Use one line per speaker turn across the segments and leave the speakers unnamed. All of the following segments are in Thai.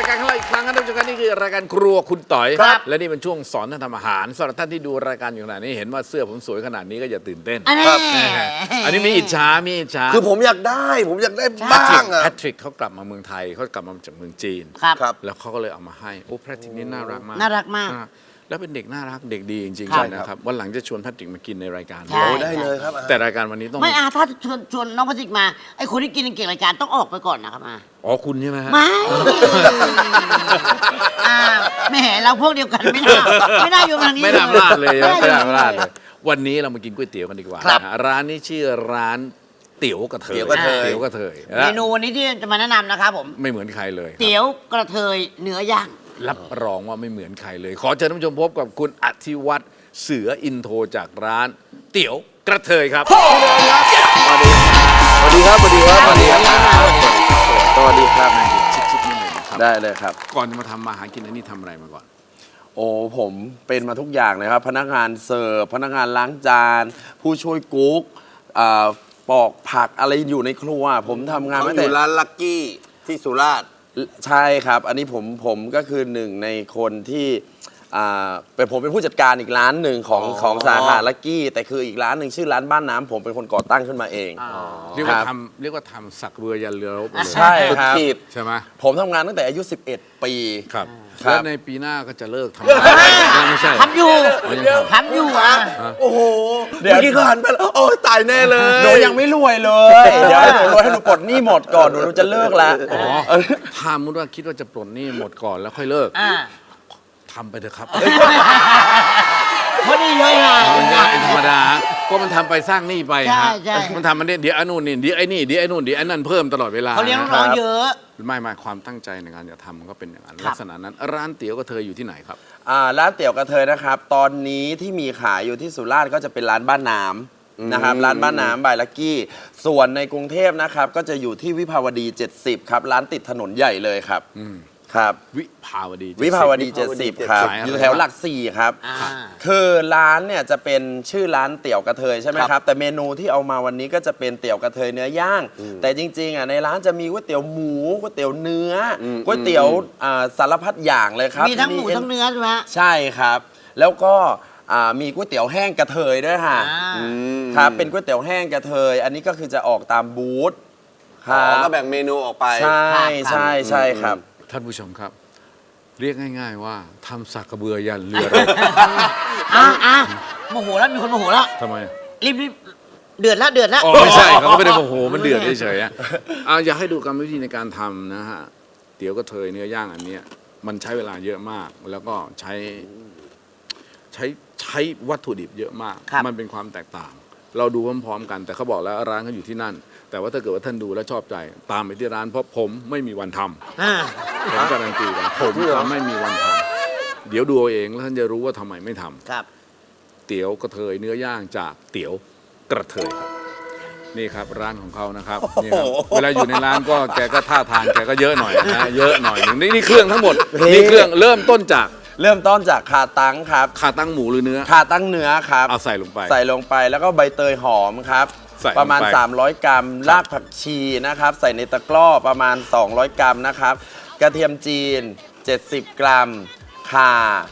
การของเราอีกครั้งนะท่านผู้ชมครับนี่คือรายการครัวคุณต่อย
ครับ
และนี่เป็นช่วงสอนท่านทำอาหารสำหรับท่านที่ดูรายการอยู่ขนาดนี้เห็นว่าเสื้อผมสวยขนาดนี้ก็อย่าตื่นเต้น อันนี้มีอิจฉา
คือผมอยากได้บ้างอะ
แพทริกเขากลับมาเมืองไทยเขากลับมาจากเมืองจีน
ครับ
แล้วเขาก็เลยเอามาให้โอ้แพทริกนี่น่ารักมาก
น่ารักมาก
แล้วเป็นเด็กน่ารักเด็กดีจริง
ครับ
ๆนะครับวันหลังจะชวนแพทริกมากินในรายการ
ใช่
โอ้ได้เลยครับ
แต่รายการวันนี้ต้อง
ไม่ถ้าชวนน้องพระสิกมาไอ้คนที่กินเก่งรายการต้องออกไปก่อนนะครับมา
อ๋อคุณใช่ไหมฮะ
ไม่แหมเราพวกเดียวกันไม่น่าอยู่ทางนี้
ไม่น่าพลาดเลย
ไม่
ไม่น่า
น่า
พลาดเลยวันนี้เรามากินก๋วยเตี๋ยวกันดีกว่า
ครับ
นะฮะร้านนี้ชื่อร้านเตี๋ยวกระเทย
เตี๋ยวกระเทย
เตี๋ยวกระเทย
เมนูวันนี้ที่จะมาแนะนำนะครับผม
ไม่เหมือนใครเลยครับ
เตี๋ยวกระเทยเนื้อย่าง
รับรองว่าไม่เหมือนใครเลย ขอเชิญท่านผู้ชมพบกับคุณอธิวัฒน์เสืออินโทรจากร้านเตี๋ยวกระเทยครับสวัสดีครับ
สวัสดีครับ
สวัสดีครับ
สวัสดีครับ
นั่งชิดๆนิดหนึ่งครับ
ได้เลยครับ
ก่อนจะมาทำมาหากินอันนี้ทำอะไรมาก่อน
โอ้ผมเป็นมาทุกอย่างเลยครับ พนักงานเสิร์ฟพนักงานล้างจาน ผู้ช่วยกุ๊กปอกผักอะไรอยู่ในครัว ผมทำงาน
เขา
มา
อ
แต่
ยู่ร้านลักกี้ที่สุราษฎร์
ใช่ครับ อันนี้ผมก็คือหนึ่งในคนที่ผมเป็นผู้จัดการอีกร้านหนึ่งของสาขาลักกี้ แต่คืออีกร้านหนึ่งชื่อร้านบ้านน้ำผมเป็นคนก่อตั้งขึ้นมาเอง
เรียกว่าทำสักเรือยันเรือรบเลย
ใช่ครับ
ขีด
ใช่ไหม
ผมทำงานตั้งแต่อายุ 11 ปี
ครับ
ครับ
แล้วในปีหน้าก็จะเลิกทำงานไม่ใช่
ทำอยู่
อ๋อยังทำ
ทำอยู่อ่ะ
โอ้โห
เดี๋ยว
เมื่อกี้ก็หันไปแล้วโอ้ยตายแน่เลย
หนูยังไม่รวยเลย เดี๋ยวให้หนูรวยให้หนูปลดหนี้หมดก่อนหนูจะเลิกแล้ว
อ๋อถ้ามุดว่าคิดว่าจะปลดหนี้หมดก่อนแล้วค่อยเลิกทำไปเถอะครับ
เพราะนี่เยอะไง
มันยากเป็นธรรมดาก็มันทำไปสร้างหนี้ไป
ใช่
ฮะ
ใช่
มันทำมันเนี่ยเดี๋ยวไอ้นู่นนี่เดี๋ยวไอ้นี่เดี๋ยวไอ้นู่นเดี๋ยวไอ้นั่นเพิ่มตลอดเวลา
เขาเลี้ยงน้องๆเยอะ
ไม่ความตั้งใจในการจะทำมันก็เป็นอย่างนั้น
ครับ
ลักษณะนั้นร้านเตี๋ยวก็เธออยู่ที่ไหนครับ
ร้านเตี๋ยวกระเทยนะครับ ตอนนี้ที่มีขายอยู่ที่สุราษฎร์ก็จะเป็นร้านบ้านน้ำนะครับร้านบ้านน้ำบายลักกี้ ส่วนในกรุงเทพนะครับก็จะอยู่ที่วิภาวดี 70 ครับ ร้านติดถนนใหญ่เลยครับครับ
วิภาวดี
วิภาวดี 70 ครับ
ขายอะไร
อยู่แถวหลัก 4 ครับ
อ่า
คือร้านเนี่ยจะเป็นชื่อร้านเตี๋ยวกระเทยใช่ไหมครับ แต่เมนูที่เอามาวันนี้ก็จะเป็นเตี๋ยวกระเทยเนื้อย่าง แต่จริงๆในร้านจะมีก๋วยเตี๋ยวหมูก๋วยเตี๋ยวเนื้อก๋วยเตี๋ยวสารพัดอย่างเลยครับ
มีทั้งหมูทั้งเนื้อใช่ไหมฮะ
ใช่ครับ แล้วก็มีก๋วยเตี๋ยวแห้งกระเทยด้วยค่ะ ครับเป็นก๋วยเตี๋ยวแห้งกระเทย อันนี้ก็คือจะออกตามบูธค
อ๋
รั
อบ ก็แบ่งเมนูออกไป
ใช่ใช่ใช่ครับ
ท่านผู้ชมครับ เรียกง่าย ๆ ว่าทำสักกระเบือยันเรือรบ
โมโหแล้วมีคนโมโหแล้ว
ทำไม
รีบเดือดแล้ว
อ๋อไม่ใช่เขาก็ไม่ได้โมโหมันเดือดเฉยๆอะอยากให้ดูกรรมวิธีในการทำนะฮะเตี๋ยวกระเทยเนื้อย่างอันเนี้ยมันใช้เวลาเยอะมาก แล้วก็ใช้วัตถุดิบเยอะมาก
ครับ
มันเป็นความแตกต่าง เราดูพร้อมๆกันแต่เขาบอกแล้วร้านเขาอยู่ที่นั่น แต่ว่าถ้าเกิดว่าท่านดูแล้วชอบใจตามไปที่ร้านเพราะผมไม่มีวันทำ ผมการันตีกันผมจะไม่มีวันทำเดี๋ยวดูเอาเองแล้วท่านจะรู้ว่าทำไมไม่ทำ
ครับ
เตี๋ยวกระเทยเนื้อย่างจากเตี๋ยวกระเทยครับนี่ครับร้านของเขานะครับนี่ครับเวลาอยู่ในร้านก็แกก็ท่าทางแกก็เยอะหน่อยนะเยอะหน่อยหนึ่งนี่เครื่องทั้งหมดนี่เครื่องเริ่มต้นจาก
เริ่มต้นจากขาตั้งครับ
ขาตั้งหมูหรือเนื้อ
ขาตั้งเนื้อครับ
เอาใส่ลงไป
ใส่ลงไปแล้วก็ใบเตยหอมครับ
ใส่ลงไป
ประมาณ 300 กรัม รากผักชีนะครับ ใส่ในตะกร้อประมาณ 200 กรัมนะครับ กระเทียมจีน 70 กรัม ข่า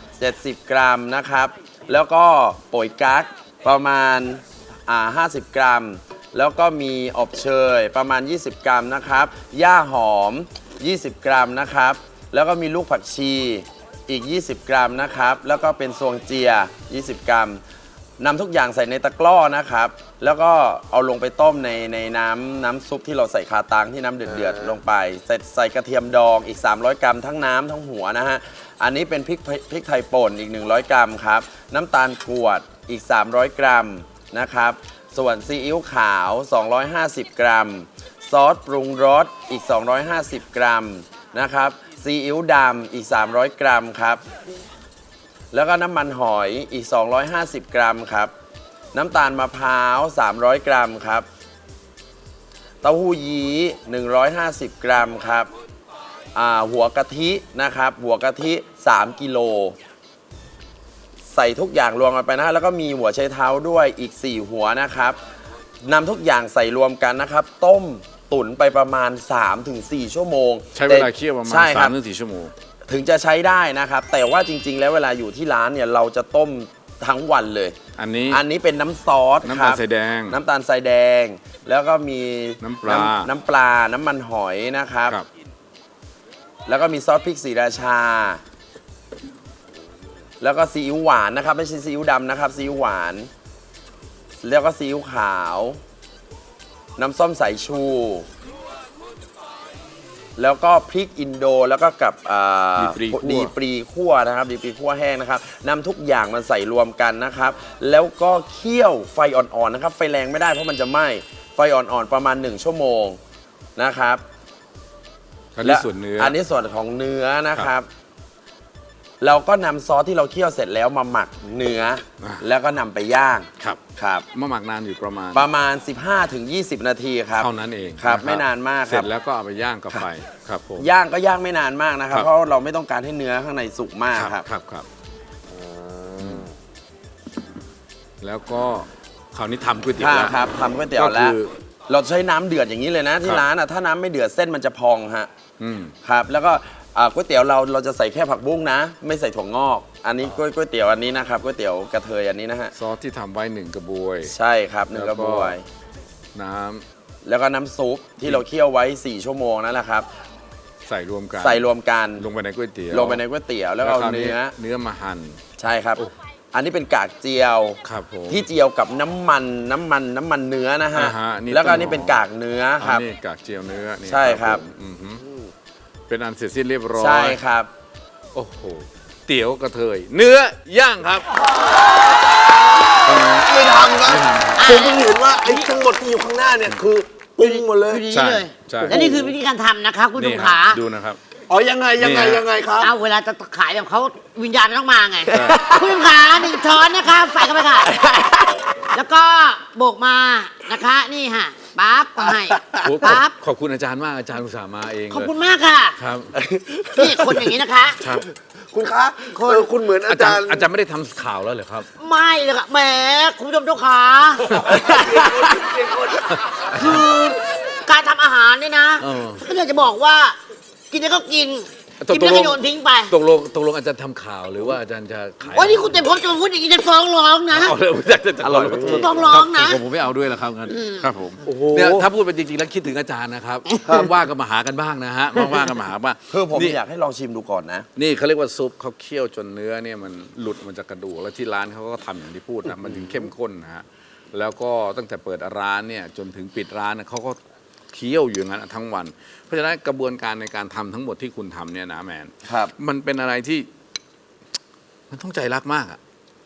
70 กรัมนะครับ แล้วก็โป่ยกั๊กประมาณ50 กรัม แล้วก็มีอบเชยประมาณ 20 กรัมนะครับย่าหอม 20 กรัมนะครับ แล้วก็มีลูกผักชีอีก 20 กรัมนะครับ แล้วก็เป็นซวงเจีย 20 กรัม นำทุกอย่างใส่ในตะกร้อนะครับ แล้วก็เอาลงไปต้มในน้ำซุปที่เราใส่คาตังที่น้ำเดือดๆลงไปใส่กระเทียมดองอีก 300 กรัมทั้งน้ำทั้งหัวนะฮะ อันนี้เป็นพริกไทยป่นอีก 100 กรัมครับ น้ำตาลกรวดอีก 300 กรัมนะครับ ส่วนซีอิ๊วขาว 250 กรัม ซอสปรุงรสอีก 250 กรัมนะครับ ซีอิ๊วดำอีก 300 กรัมครับ แล้วก็น้ำมันหอยอีก 250 กรัมครับ น้ำตาลมะพร้าว 300 กรัมครับ เต้าหู้ยี้ 150 กรัมครับหัวกะทินะครับ หัวกะทิ 3 กิโล ใส่ทุกอย่างรวมกันไปนะแล้วก็มีหัวไชเท้าด้วยอีก 4 หัวนะครับนำทุกอย่างใส่รวมกันนะครับ ต้มตุ๋นไปประมาณ 3-4 ชั่วโมง
ใช้เวลาเคี่ยวประมาณ
ใช่ครับ
3-4 ชั่วโมง
ถึงจะใช้ได้นะครับ แต่ว่าจริง ๆ แล้วเวลาอยู่ที่ร้านเนี่ยเราจะต้มทั้งวันเลย
อันนี้
อันนี้เป็นน้ำซอส
น้ำ
ค
ตาล
รับ
ทรายแดง
น้ำตาลทรายแดง แล้วก็มี
น้ำปลา
น้ำปลา น้ำมันหอยนะครับ
ครับ
แล้วก็มีซอสพริกศรีราชา แล้วก็ซีอิ๊วหวานนะครับ ไม่ใช่ซีอิ๊วดำนะครับ ซีอิ๊วหวาน แล้วก็ซีอิ๊วขาว น้ำส้มสายชู แล้วก็พริกอินโด แล้วก็กับดีปรีคั่วนะครับ ดีปรีคั่วแห้งนะครับนำทุกอย่างมาใส่รวมกันนะครับ แล้วก็เคี่ยวไฟอ่อนๆนะครับ ไฟแรงไม่ได้เพราะมันจะไหม้ ไฟอ่อนๆประมาณ1 ชั่วโมงนะครับ
อันนี้ส่วนเนื้อ
อันนี้ส่วนของเนื้อนะครับ เราก็นำซอสที่เราเคี่ยวเสร็จแล้วมาหมักเนื้อ แล้วก็นำไปย่าง
ครับ
ครับ
มาหมักนานอยู่ประมาณ
15-20 นาทีครับ
เท่านั้นเอง
ครับ
ะ
ไม่นานมาก
เส
ค
ร็
รั
จ
บ
แล้วก็เอาไปย่างกับไฟครับผม
ย่างก็ย่างไม่นานมากนะครับ
ครับ
เพราะเราไม่ต้องการให้เนื้อข้างในสุกมาก
ครับ
ครับ
ครับแล้วก็คราวนี้ทำก๋วยเตี๋ยวแล้ว
ครับทำก๋วยเตี๋ยว
ก็
แล้
คื
ว
อ
เราใช้น้ำเดือดอย่างนี้เลยนะที่
ครับ
ร้านอ่ะถ้าน้ำไม่เดือดเส้นมันจะพองฮะ
อืม
ครับแล้วก็ก๋วยเตี๋ยวเราจะใส่แค่ผักบุ้งนะ ไม่ใส่ถั่วงอก อันนี้ก๋วยเตี๋ยวอันนี้นะครับก๋วยเตี๋ยวกระเทยอันนี้นะฮะ
ซอสที่ทำไว้1 กระบวย
ใช่ครับ1 กระบวย
น้ำ
แล้วก็น้ำซุปที่เราเคี่ยวไว้ 4 ชั่วโมงนั่นแหละครับ
ใส่รวมกัน
ใส่รวมกัน
ลงไปในก๋วยเตี๋ยว
ลงไปในก๋วยเตี๋ยวแล้วก็เอา
คราว
เนื้อ
เนื้อมาหั่น
ใช่ครับ อันนี้เป็นกากเจียว
ครับผม
ที่เจียวกับน้ำมันเนื้อนะฮะ
อ่าฮะนี่
แล้วก็
ต้น
อันนี้เป็น
หอม
กากเนื้อค
อั
รั
น
บ
นี้กากเจียวเนื้อนี่
ใช่ครับ
ผมอือหือเป็นอันเสร็จสิ้นเรียบร้อย
ใช่ครับ
โอ้โหเตี๋ยวกระเทย เนื้อย่างครับ
ไม่ทำครับผมเพิ่งเห็นว่าไอ้ทั้งหมดที่อยู่ข้างหน้าเนี่ยคือปรุงหมดเลย
อยู่ดี
ใช่
เลย
ใช่
และนี่คือวิธีการทำนะคะคุณ
นี่
ผู้ชม
ครั
ขา
บดูนะครับ
อ๋อยังไง
นี่ฮะ
ครับ
เอาเวลาจะขายแบบเขาวิญญาณต้องมาไง
ใช่
คุณผู้ชมขา1 ช้อนนะคะใส่เข้าไปค่ะ แล้วก็โบกมานะคะนี่ค่ะปั๊บก็ให้
โอ้ขอบ
ปั๊บ
ขอบคุณอาจารย์มากอาจารย์อุตส่าห์มาเอง
ขอบ
เลย
คุณมากค่ะ
ครับ
นี่คนอย่างนี้นะคะ
ครับ
คุณคะคุณเหมือนอา
อาจา
จาร ร
ย์
ย์
อาจารย์ไม่ได้ทำข่าวแล้วเหรอครับ
ไม่เลยค่ะแหมคุณผู้ชมเจ้าขาคือการทำอาหารเนี่ยนะ
เออ
ก็อยากจะบอกว่า กินแล้วก็กินกินแล้วก็โยนทิ้งไป
ตกลงอาจารย์ทำข่าวหรือว่าอาจารย์จะขาย
วันนี้คุณเต็มพบจะมาพูดอย่างนี้จะฟ้องร้องนะ
เอาเลยจะ
อร่อยไหมพี่
ต้องร้องนะ
ผมไม่เอาด้วยแล้วครับงั้นครับผม
โอ้โห
เนี่ยถ้าพูดไปจริงๆแล้วคิดถึงอาจารย์นะครับว่างๆก็มาหากันบ้างนะฮะว่างๆก็มาหาบ้าง
คือผม
นี่
อยากให้ลองชิมดูก่อนนะ
นี่เขาเรียกว่าซุปเขาเคี่ยวจนเนื้อเนี่ยมันหลุดมันจากกระดูกแล้วที่ร้านเขาก็ทำอย่างที่พูดนะมันถึงเข้มข้นนะฮะแล้วก็ตั้งแต่เปิดร้านเนี่ยจนถึงปิดร้านเนี่ยเขาก็เคี่ยวอยู่อย่างนั้นทั้งวัน เพราะฉะนั้นกระบวนการในการทำทั้งหมดที่คุณทำเนี่ยนะแมน
ครับ
มันเป็นอะไรที่ มันต้องใจรักมากอะ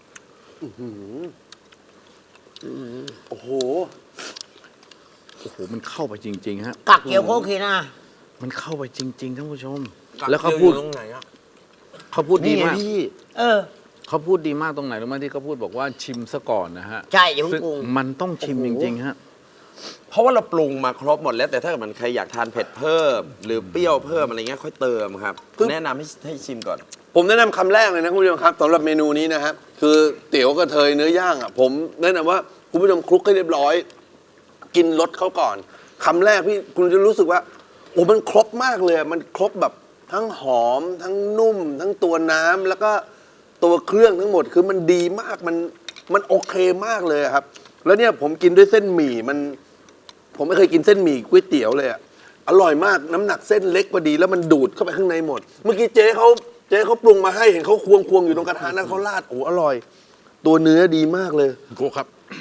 โอ้โห
โอ้โหมันเข้าไปจริง ๆ ฮะ
กักเกี่ยวโคเคนะ
มันเข้าไปจริง ๆท่านผู้ชม แล้วเขาพูด
ตรงไหนอะ
เขาพูดดี
นี่ไง
มาก
พี่
เออ
เขาพูดดีมากตรงไหนรู้ไหมที่เขาพูดบอกว่าชิมซะก่อนนะฮะ
ใช่อย่าเพิ่ง
ซึ่ง
ปรุง
มันต้องชิมจริงๆฮะ
เพราะว่าเราปรุงมาครบหมดแล้วแต่ถ้าเกิดมันใครอยากทานเผ็ดเพิ่ม หรือเปรี้ยวเพิ่มอะไรเงี้ยค่อยเติมครับ แนะนำให้ชิมก่อน
ผมแนะนำคำแรกเลยนะคุณผู้ชมครับสำหรับเมนูนี้นะครับคือเตี๋ยวกระเทยเนื้อย่างอ่ะผมแนะนำว่าคุณผู้ชมคลุกให้เรียบร้อย กินรสเขาก่อนคำแรกพี่คุณจะรู้สึกว่าโอ้มันครบมากเลยอะมันครบแบบทั้งหอม ทั้งนุ่ม ทั้งตัวน้ำแล้วก็ตัวเครื่องทั้งหมดคือมันดีมากมันโอเคมากเลยอะครับ แล้วเนี่ยผมกินด้วยเส้นหมี่ผมไม่เคยกินเส้นหมี่ก๋วยเตี๋ยวเลยอะอร่อยมากน้ำหนักเส้นเล็กพอดีแล้วมันดูดเข้าไปข้างในหมด เมื่อกี้เจ๊เขาปรุงมาให้เห็นเขาควงอยู่ตรงกระทะนั้นเขาราดโอ้อร่อย ตัวเนื้อดีมากเลย
โก้ครับ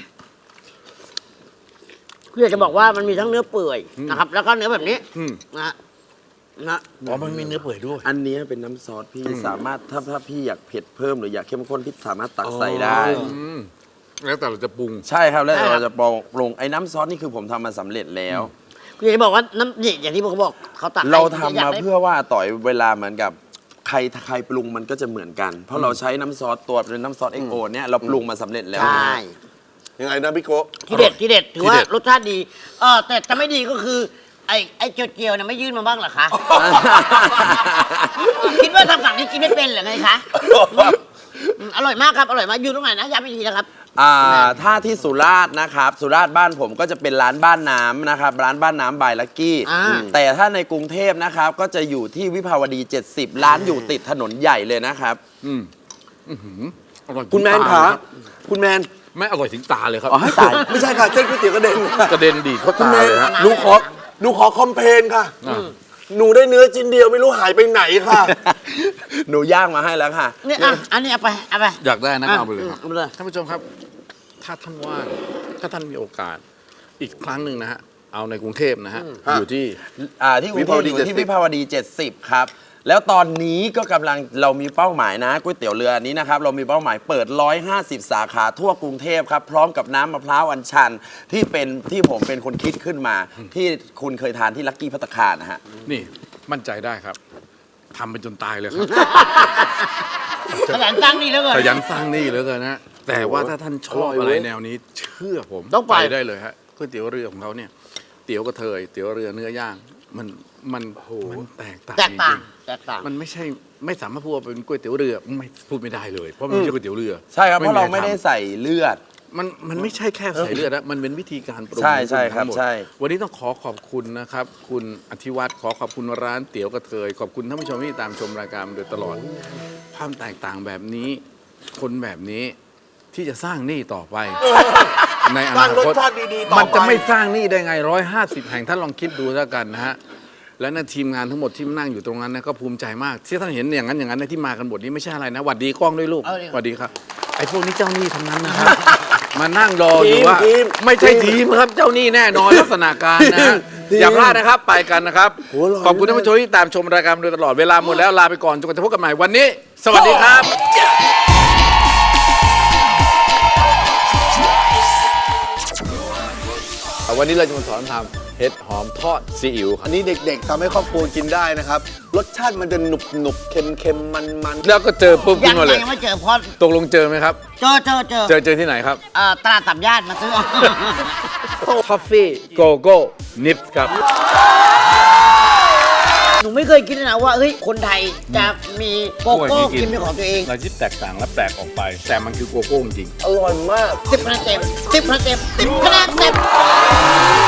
คืออยากจะบอกว่ามันมีทั้งเนื้อเปื่อยนะครับ แล้วก็เนื้อแบบนี้
อืม
นะ
อ๋อมันมีเนื้อเปื่อยด้วย
อันนี้เป็นน้ำซอสพี่สามารถถ้าพี่อยากเผ็ดเพิ่มหรืออยากเข้มข้นพี่สามารถตักใส่ได้
อืมแล้วแต่เราจะปรุง
ใช่ครับแล้วเราจะปรุงไอ้น้ำซอสนี่คือผมทำมาสำเร็จแล้ว
คืออยากจะบอกว่าน้ำนี่อย่างที่ผมบอกเขาตักให้
เราทำ
อย
มา
ได้
เพื่อว่าต่อยเวลาเหมือนกับใครปรุงมันก็จะเหมือนกัน เพราะเราใช้น้ำซอสตัวเป็นน้ำซอสเอ็กโอเนี่ยเราปรุงมาสำเร็จแล้ว
ใช่
ยังไงนะพี่โกะ
ที่เด็ดถือว่า
ที่เด็ด
รสชาติดีแต่จะไม่ดีก็คือ ไอ้เจียวๆเนี่ยไม่ยื่นมาบ้างเหรอคะ คิดว่าทางฝั่งนี้กินไม่เป็นเหรอไงคะอร่อยมากครับอร่อยมากอยู่ตรงไหนนะย้ำอีกทีนะครับ
ถ้าที่สุราษฎร์นะครับสุราษฎร์บ้านผมก็จะเป็นร้านบ้านน้ำนะครับร้านบ้านน้ำบายลักกี้ แต่ถ้าในกรุงเทพนะครับก็จะอยู่ที่วิภาวดี 70 ร้านอยู่ติดถนนใหญ่เลยนะครับ
อร่อย
คุณแมน
ถึงต
ขา
เลยรับ
คุณแมน
ไม่อร่อยถึงตาเลยครับ
อ๋อให้ตาย
ไม่ใช่ค่ะเส้นก๋วยเตี๋ยวกระเด็น
กระเด็นดีดเข้า
คุณ
ตา
แมน
เลยฮะ
หนูขอคอมเพลนค่ะ
อ่ะ
หนูได้เนื้อชิ้นเดียวไม่รู้หายไปไหนค่ะ
หนูย่างมาให้แล้วค่ะ
เนี่ยอันนี้เอาไปเอาไป
อยากได้นะก็เอาไปเลยครับ
เอาไปเลย
ท่านผู้ชมครับ ถ้าท่านว่างถ้าท่านมีโอกาสอีกครั้งหนึ่งนะฮะเอาในกรุงเทพนะฮะอยู่ที่
ที่กรุงเทพอยู่ที่วิภาวดี 70 ครับ แล้วตอนนี้ก็กำลังเรามีเป้าหมายนะก๋วยเตี๋ยวเรืออันนี้นะครับเรามีเป้าหมายเปิด 150 สาขาทั่วกรุงเทพครับพร้อมกับน้ำมะพร้าวอัญชันที่ผมเป็นคนคิดขึ้นมา ที่คุณเคยทานที่ลักกี้ภัตตาคารนะฮะ
นี่มั่นใจได้ครับทำไปจนตายเลยครับ
ขยันตั้งนี่แล้วเกิน
ขยันสร้างหนี่เหลือเกินนะแต่ว่าถ้าท่านชอบอะไรแนวนี้ เชื่อผม
ต้องไป
ได้เลยฮะก๋วยเตี๋ยวเรือของเขาเนี่ยเตี๋ยวกระเทยเตี๋ยวเรือเนื้อย่างมันแตกต่าง
แตกต่าง
จริ
แตกต่าง
ๆมันไม่สามารถพูดว่าเป็นก๋วยเตี๋ยวเรือไม่พูดไม่ได้เลย เพราะมันไม่ใช่ก๋วยเตี๋ยวเรือ
ใช่ครับเพราะเราไม่ได้
ท
ใส่เลือด
ำมันไม่ใช่แค่ใส่เลือดนะมันเป็นวิธีการปรุง
ใช่ใช่ครับ
ทั้งหมด
ใช่
วันนี้ต้องขอบคุณนะครับ คุณอธิวัตรขอบคุณร้านเตี๋ยวกระเทยขอบคุณท่านผู้ชมที่ตามชมรายการมาโดยตลอด ความแตกต่างแบบนี้ คนแบบนี้ที่จะสร้างหนี้ต่อไป ในอ
สร้า
นาค
งรส
ต
ชาติดีๆต่อไป
มันจะไม่สร้างหนี้ได้ไง 150 แห่งท่านลองคิดดูแล้วกันนะฮะ และนั่นทีมงานทั้งหมดที่นั่งอยู่ตรงนั้นนะก็ภูมิใจมาก ที่ท่านเห็นอย่างนั้นอย่างนั้นนะที่มากันหมดนี้ไม่ใช่อะไรนะหวัดดีกล้องด้วยลูก
เอาดิ
หวัดดีครับไอ้พวกนี้เจ้าหนี้ทั้งนั้นนะครับ มานั่งรออยู่ว่า
ทีม
ไม่ใช่ทีมครับเจ้าหนี้แน่นอนลักษณะการนะฮะ
ทีม
อย่าพลาดนะครับไปกันนะครับ
โอ้อร่อย
ขอบคุณท่านผู้ชมที่ตามชมรายการมาโดยตลอดเวลาหมดแล้วลาไปก่อนจนกว่าจะพบกันใหม่วันนี้ สวัสดีครับ วันนี้เราจะมาสอนทำเห็ดหอมทอดซีอิ๊วค
อั
รับ
นนี้เด็กๆทำให้ครอบครัวกินได้นะครับ รสชาติมันจะหนุบๆเค็มๆมัน
แล้วก็เจอปุ๊บ
ยั
ขึ้
ง
นมาเลย
ยังไม่เจอเพราะ
ตกลงเจอไหมครับ
เจอ
เจอที่ไหนครับ
ตลาดตับญาติมาซื้อ
ทอฟฟี่โกโก้นิฟครับ
หนูไม่เคยคิดเลยนะว่าเฮ้ยคนไทยจะมีโกโก้กินเป็นของตัวเอง
เราที่แตกต่างและแปลกออกไป แต่มันคือโกโก้จริง
ๆ อร่อยมาก
10 คะแนนเต็ม10 คะแนนเต็ม10 คะแนนเต็ม